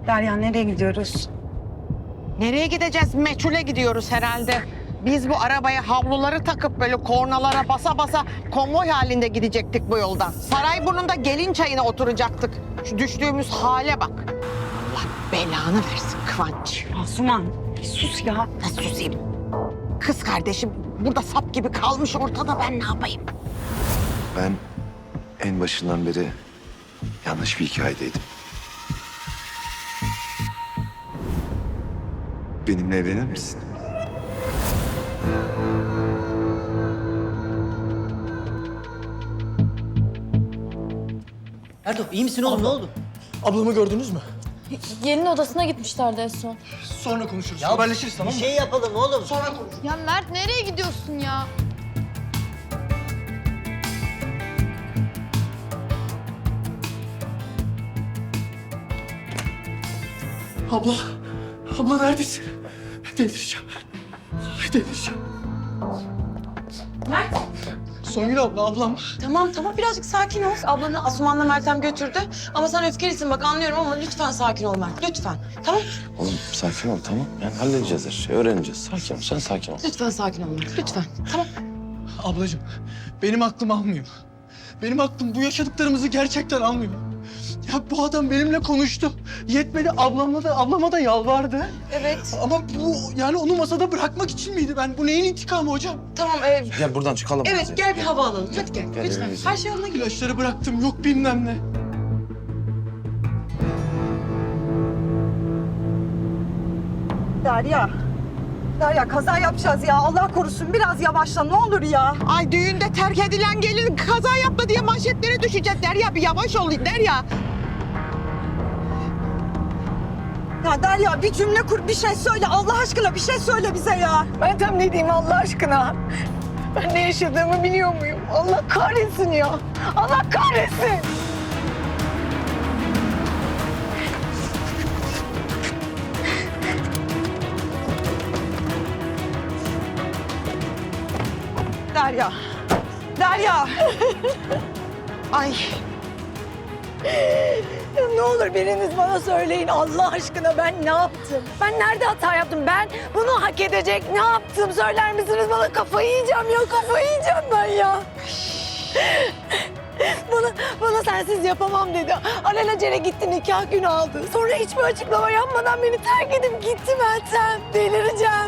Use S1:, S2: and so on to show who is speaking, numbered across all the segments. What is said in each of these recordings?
S1: Derya nereye gidiyoruz?
S2: Nereye gideceğiz? Meçhule gidiyoruz herhalde. Biz bu arabaya havluları takıp böyle kornalara basa basa konvoy halinde gidecektik bu yoldan. Sarayburnu'nda gelin çayına oturacaktık. Şu düştüğümüz hale bak. Allah belanı versin Kıvanç.
S1: Asuman bir sus ya.
S2: Nasıl susayım? Kız kardeşim burada sap gibi kalmış ortada, ben ne yapayım?
S3: Ben en başından beri yanlış bir hikayedeydim. Benimle evlenir misin?
S4: Erdo iyi misin oğlum, ne oldu?
S5: Ablamı gördünüz mü?
S6: Gelin odasına gitmişlerdi en son.
S5: Sonra konuşuruz. Ya haberleşiriz, tamam
S4: Bir
S5: mı?
S4: şey yapalım oğlum.
S5: Sonra konuşuruz.
S6: Ya Mert nereye gidiyorsun ya?
S5: Abla, abla neredesin? Delireceğim. Delireceğim.
S7: Mert.
S5: Songül abla, ablam.
S7: Tamam birazcık sakin ol. Ablanı Asuman'la Meltem götürdü. Ama sen öfkelisin bak, anlıyorum ama lütfen sakin ol Mert. Lütfen. Tamam.
S3: Oğlum sakin ol, tamam. Yani halledeceğiz her şeyi, öğreneceğiz. Sakin ol, sen sakin ol.
S7: Lütfen sakin ol Mert. Lütfen. Tamam.
S5: Ablacığım, benim aklım almıyor. Benim aklım bu yaşadıklarımızı gerçekten almıyor. Ya bu adam benimle konuştu. Yetmedi, ablama da yalvardı.
S7: Evet.
S5: Ama bu yani onu masada bırakmak için miydi? Ben bu neyin intikamı hocam?
S7: Tamam.
S3: Gel buradan çıkalım.
S7: Evet gel bir hava alalım. Hadi gel.
S3: Gel,
S7: Lütfen.
S3: evimize.
S7: Her şey yoluna gidiyor.
S5: İlaçları bıraktım, yok bilmem ne.
S1: Derya kaza yapacağız ya. Allah korusun biraz yavaşla ne olur ya.
S2: Ay düğünde terk edilen gelin kaza yaptı diye manşetlere düşeceğiz. Derya bir yavaş ol Derya.
S1: Ya Derya bir cümle kur, bir şey söyle. Allah aşkına bir şey söyle bize ya.
S8: Meltem ne diyeyim Allah aşkına? Ben ne yaşadığımı biliyor muyum? Allah kahretsin ya. Allah kahretsin.
S1: Derya. Derya.
S2: Ay
S8: Ya ne olur biriniz bana söyleyin Allah aşkına ben ne yaptım? Ben nerede hata yaptım? Ben bunu hak edecek ne yaptım? Söyler misiniz bana? Kafayı yiyeceğim ya, kafayı yiyeceğim ben ya. Bana sensiz yapamam dedi. Alelacele gitti, nikah günü aldı. Sonra hiçbir açıklama yapmadan beni terk edip gitti Meltem. Delireceğim.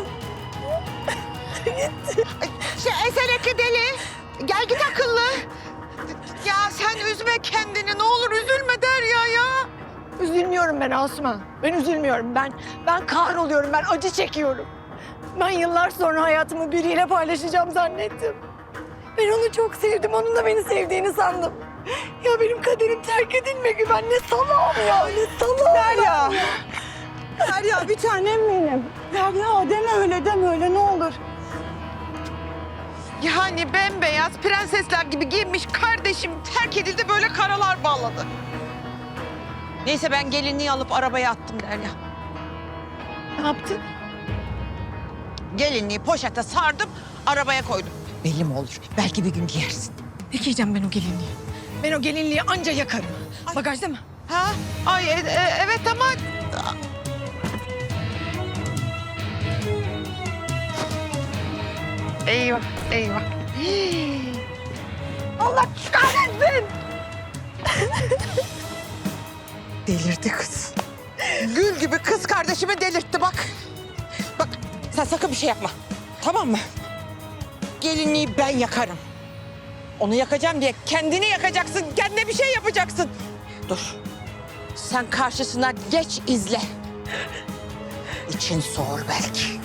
S2: esenekli deli. Gel git akıllı. Ya sen üzme kendini, ne olur üzülme Derya ya.
S8: Üzülmüyorum ben Asuman. Ben üzülmüyorum. Ben kahroluyorum. Ben acı çekiyorum. Ben yıllar sonra hayatımı biriyle paylaşacağım zannettim. Ben onu çok sevdim. Onun da beni sevdiğini sandım. Ya benim kaderim terk edilmek gibi. Ben ne salağım ya. Ne salağım.
S1: Derya. Derya bir tanem benim. Derya deme öyle ne olur.
S2: Yani bembeyaz prensesler gibi giyinmiş kardeşim terk edildi, böyle karalar bağladı. Neyse ben gelinliği alıp arabaya attım Derya.
S8: Ne yaptın?
S2: Gelinliği poşete sardım, arabaya koydum. Belli mi olur? Belki bir gün giyersin.
S8: Ne giyeceğim ben o gelinliği? Ben o gelinliği anca yakarım. Bagajda mı?
S2: Ha? Ay evet ama... Eyvah, eyvah.
S8: Allah kahretsin.
S2: Delirdi kız. Gül gibi kız kardeşimi delirtti bak. Bak sen sakın bir şey yapma. Tamam mı? Gelinliği ben yakarım. Onu yakacağım diye kendini yakacaksın. Kendine bir şey yapacaksın. Dur. Sen karşısına geç izle. İçin soğur belki.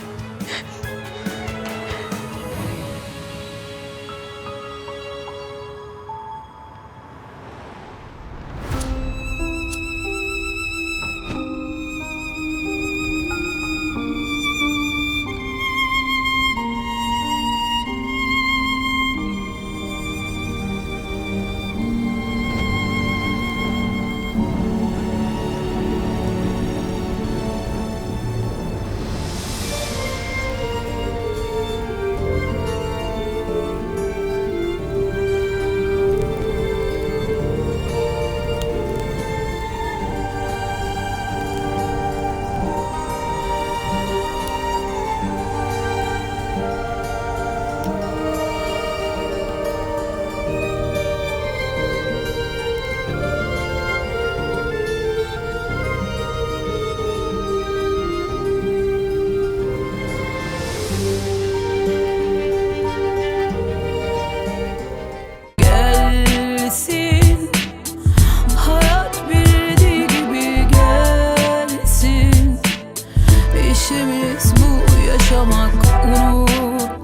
S9: Kaderimiz bu yaşamak, unut